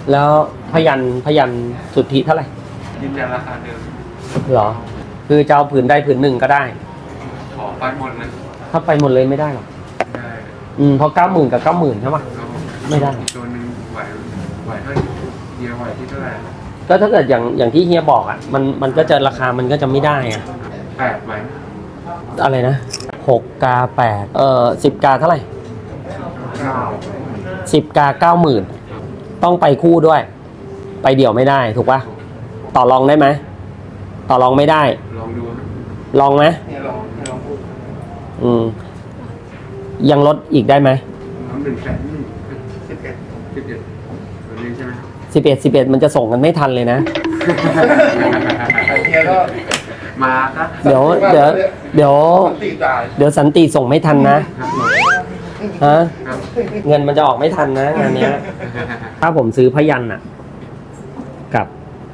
แล้วพยัญสุทธิเท่าไหร่ยืนยันราคาเดิมเหรอคือจะเอาผืนใดผืนหนึ่งก็ได้ขอไปหมดเลยถ้าไปหมดเลยไม่ได้หรอกได้เพราะ90,000กับ90,000ใช่ปะไม่ได้ตัวนึงไหวเท่าเฮียไหวที่เท่าไหร่ก็ถ้าเกิดอย่างที่เฮียบอกอ่ะมันก็จะราคามันก็จะไม่ได้อ่ะ 8ไหวอะไรนะ6 กา 810 กาเท่าไหร่10 กา 90,000ต้องไปคู่ด้วยไปเดี่ยวไม่ได้ถูกปะต่อรองได้ไหมต่อรองไม่ได้ลองดูลองไหมลองพูดยังลดอีกได้ไหมตัวนี้ใช่ไหม 11มันจะส่งกันไม่ทันเลยนะมาครับเดี๋ยวสันติส่งไม่ทันนะฮะเงินมันจะออกไม่ทันนะงานเนี้ยถ้าผมซื้อพยัญอ่ะกับ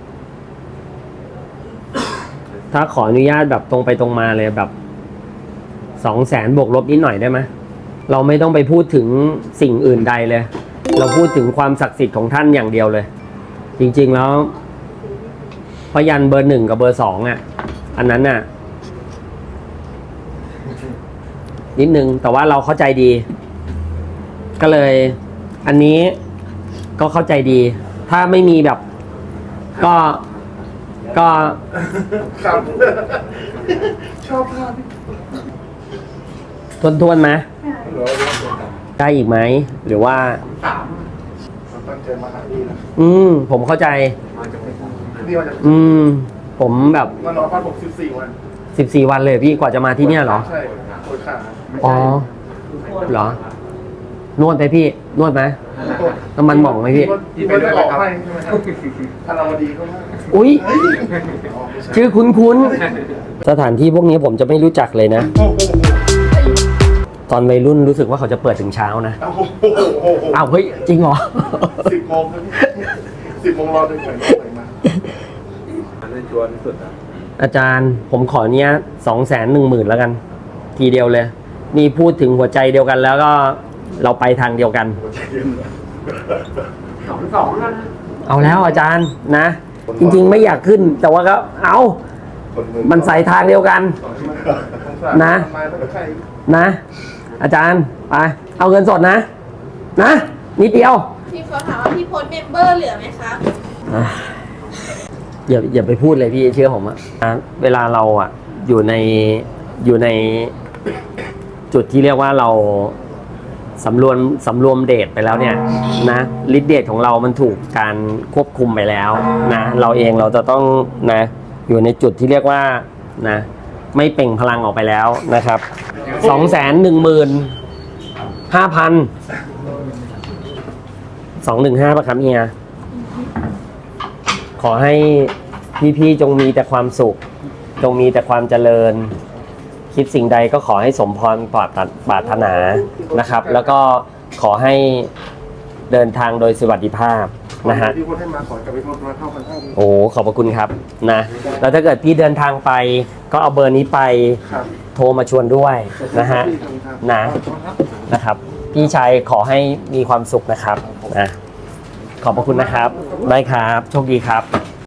ถ้าขออนุญาตแบบตรงไปตรงมาเลยแบบ200,000 บวกลบนิดหน่อยได้ไหมเราไม่ต้องไปพูดถึงสิ่งอื่นใดเลยเราพูดถึงความศักดิ์สิทธิ์ของท่านอย่างเดียวเลยจริงๆแล้วพยัญเบอร์ 1กับเบอร์ 2อ่ะอันนั้นน่ะนิดนึงแต่ว่าเราเข้าใจดีก็เลยอันนี้ก็เข้าใจดีถ้าไม่มีแบบก็ชอบภาพทวนไหมได้อีกไหมหรือว่าตั้งใจมาหาพี่นะผมเข้าใจผมแบบมานอนพักผม 14 วันเลยพี่กว่าจะมาที่เนี่ยเหรอใช่ปวดขาอ๋อเหรอนวดไปพี่นวดไหมน้ำมันหม่องไหมพี่ไปได้ออกให้ใช่ไหมครับถ้าเราดีก็ได้อุ๊ยชื่อคุ้นสถานที่พวกนี้ผมจะไม่รู้จักเลยนะตอนวัยรุ่นรู้สึกว่าเขาจะเปิดถึงเช้านะอ้าวเฮ้ยจริงเหรอ 10 โมง10 โมงรอจนถึงมาได้ชวนสุดนะอาจารย์ผมขอเนี้ย210,000แล้วกันทีเดียวเลยนี่พูดถึงหัวใจเดียวกันแล้วก็เราไปทางเดียวกัน 2แล้วนะเอาแล้วอาจารย์นะจริงๆไม่อยากขึ้นแต่ว่าก็เอามันใส่ทางเดียวกันนะอาจารย์ไปเอาเงินสดนะนิดเดียวพี่เขาถามว่าพี่โพสเมมเบอร์เหลือไหมคะอย่าไปพูดเลยพี่เชื่อผมอะเวลาเราอะอยู่ในจุดที่เรียกว่าเราสำรวมเดทไปแล้วเนี่ยนะฤทธิ์เดชของเรามันถูกการควบคุมไปแล้วนะเราเองเราจะต้องนะอยู่ในจุดที่เรียกว่านะไม่เปล่งพลังออกไปแล้วนะครับ215,000 215ป่ะครับเฮียขอให้พี่ๆจงมีแต่ความสุขจงมีแต่ความเจริญคิดสิ่งใดก็ขอให้สมพรปรารถนานะครับแล้วก็ขอให้เดินทางโดยสวัสดิภาพนะฮะโอ้ขอบพระคุณครับนะแล้วถ้าเกิดพี่เดินทางไปก็เอาเบอร์นี้ไปโทรมาชวนด้วยนะฮะนะครับพี่ชายขอให้มีความสุขนะครับนะขอบพระคุณนะครับได้ครับโชคดีครับ